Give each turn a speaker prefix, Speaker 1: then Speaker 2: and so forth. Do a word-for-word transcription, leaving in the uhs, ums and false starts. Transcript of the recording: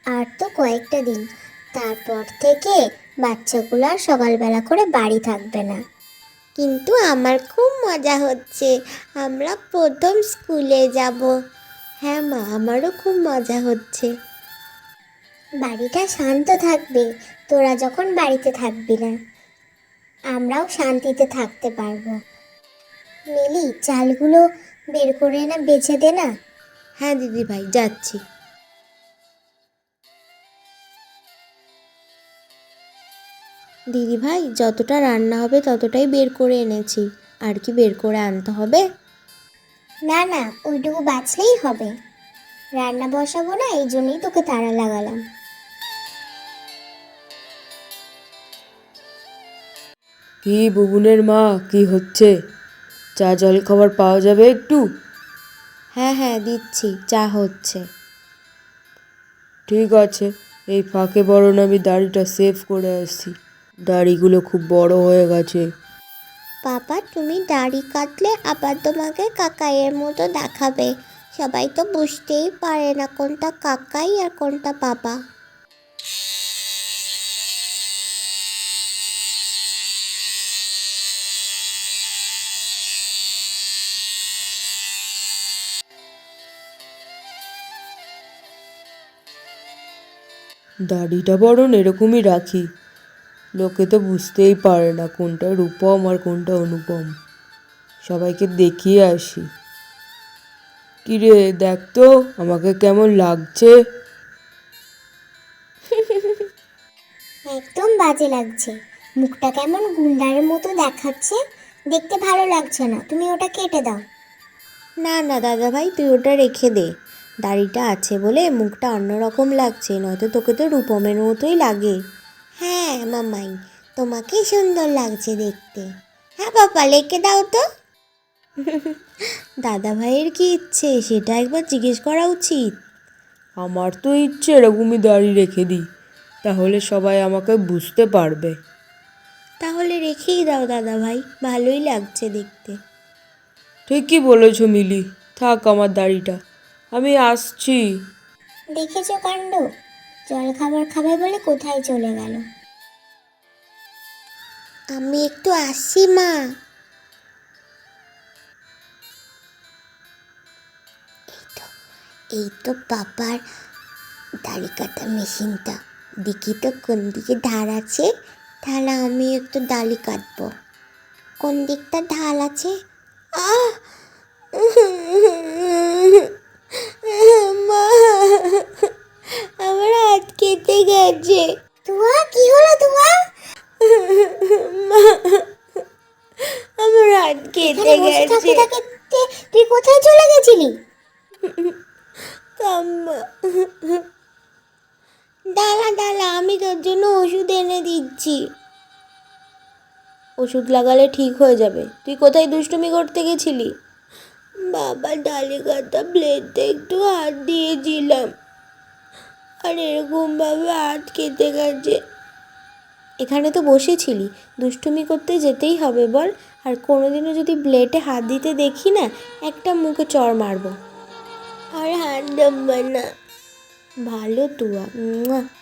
Speaker 1: আর তো কয়েকটা দিন, তারপর থেকে বাচ্চাগুলো আর সকালবেলা করে বাড়ি থাকবে না।
Speaker 2: কিন্তু আমার খুব মজা হচ্ছে, আমরা প্রথম স্কুলে যাব। হ্যাঁ মা, আমারও খুব মজা হচ্ছে।
Speaker 1: বাড়িটা শান্ত থাকবে, তোরা যখন বাড়িতে থাকবি না, আমরাও শান্তিতে থাকতে পারবো। মিলি, চালগুলো বের করে না বেছে দে না।
Speaker 2: হ্যাঁ দিদি ভাই, যাচ্ছি। দিদি ভাই, যতটা রান্না হবে ততটাই বের করে এনেছি, আর কি বের করে আনতে হবে?
Speaker 1: না না, ওইটুকু বাঁচলেই হবে। রান্না বসাবো না, এই জন্যই তোকে তাড়া লাগালাম।
Speaker 3: কি বুবুনের মা, কি হচ্ছে? চা জল খাবার পাওয়া যাবে একটু?
Speaker 2: হ্যাঁ হ্যাঁ দিচ্ছি, চা হচ্ছে।
Speaker 3: ঠিক আছে, এই ফাঁকে বরং আমি দাড়িটা সেভ করে আসছি। দাড়িগুলো খুব বড় হয়ে গেছে।
Speaker 2: বাবা, তুমি দাড়ি কাটলে আবার তোমাকে কাকাইয়ের মতো দেখাবে। সবাই তো বুঝতেই পারে না কোনটা কাকাই আর কোনটা বাবা।
Speaker 3: দাড়িটা বরং এরকমই রাখি, লোকে তো বুঝতেই পারে না কোনটা রূপম আর কোনটা অনুপম। সবাইকে দেখিয়ে আসি। কিরে, দেখ তো আমাকে কেমন লাগছে।
Speaker 1: একদম বাজে লাগছে, মুখটা কেমন গুন্ডারের মতো দেখাচ্ছে, দেখতে ভালো লাগছে না, তুমি ওটা কেটে দাও।
Speaker 2: না না দাদা ভাই, তুই ওটা রেখে দে। দাড়িটা আছে বলে মুখটা অন্যরকম লাগছে, নয়তো তোকে তো রূপমের মতোই লাগে। হ্যাঁ মামাই, তোমাকে সুন্দর লাগছে দেখতে। হ্যাঁ বাবা, রেখে দাও তো। দাদা ভাইয়ের কি ইচ্ছে সেটা একবার জিজ্ঞেস করা উচিত।
Speaker 3: আমার তো ইচ্ছে এরকমই দাড়ি রেখে দিই, তাহলে সবাই আমাকে বুঝতে পারবে।
Speaker 2: তাহলে রেখেই দাও দাদা ভাই, ভালোই লাগছে দেখতে।
Speaker 3: ঠিকই বলেছ মিলি, থাক আমার দাড়িটা, আমি আসছি।
Speaker 1: দেখেছো কাণ্ড, জল খাবার খাবে বলে কোথায় চলে গেল।
Speaker 2: আমি একটু আসছি মা। এই তো বাবার দাড়ি কাটা মেশিনটা, দেখি তো কোন দিকে ধার আছে, তাহলে আমি একটু দাড়ি কাটবো। কোন দিকটা ঢাল আছে? আহ মা, আমার হাত কেটে গেছে।
Speaker 1: তুয়া, কি হলো তুয়া?
Speaker 2: মা, আমার হাত কেটে
Speaker 1: এখানে বসে থাকতে
Speaker 2: গেছে।
Speaker 1: থাকতে তুই কোথায় চলে গেছিলি?
Speaker 2: কাম্মা, দাঁড়া দাঁড়া, আমি তোর জন্য ওষুধ এনে দিচ্ছি। ওষুধ লাগালে ঠিক হয়ে যাবে। তুই কোথায় দুষ্টুমি করতে গেছিলি? বাবা, ডালে কাটা ব্লেডটা একটু হাত দিয়েছিলাম, আর এরকমভাবে হাত কেটে গেছে। এখানে তো বসেছিলি, দুষ্টুমি করতে যেতেই হবে বল। আর কোনোদিনও যদি ব্লেডে হাত দিতে দেখি না, একটা মুখে চড় মারবো। আর হাত দেব না। ভালো তুয়া।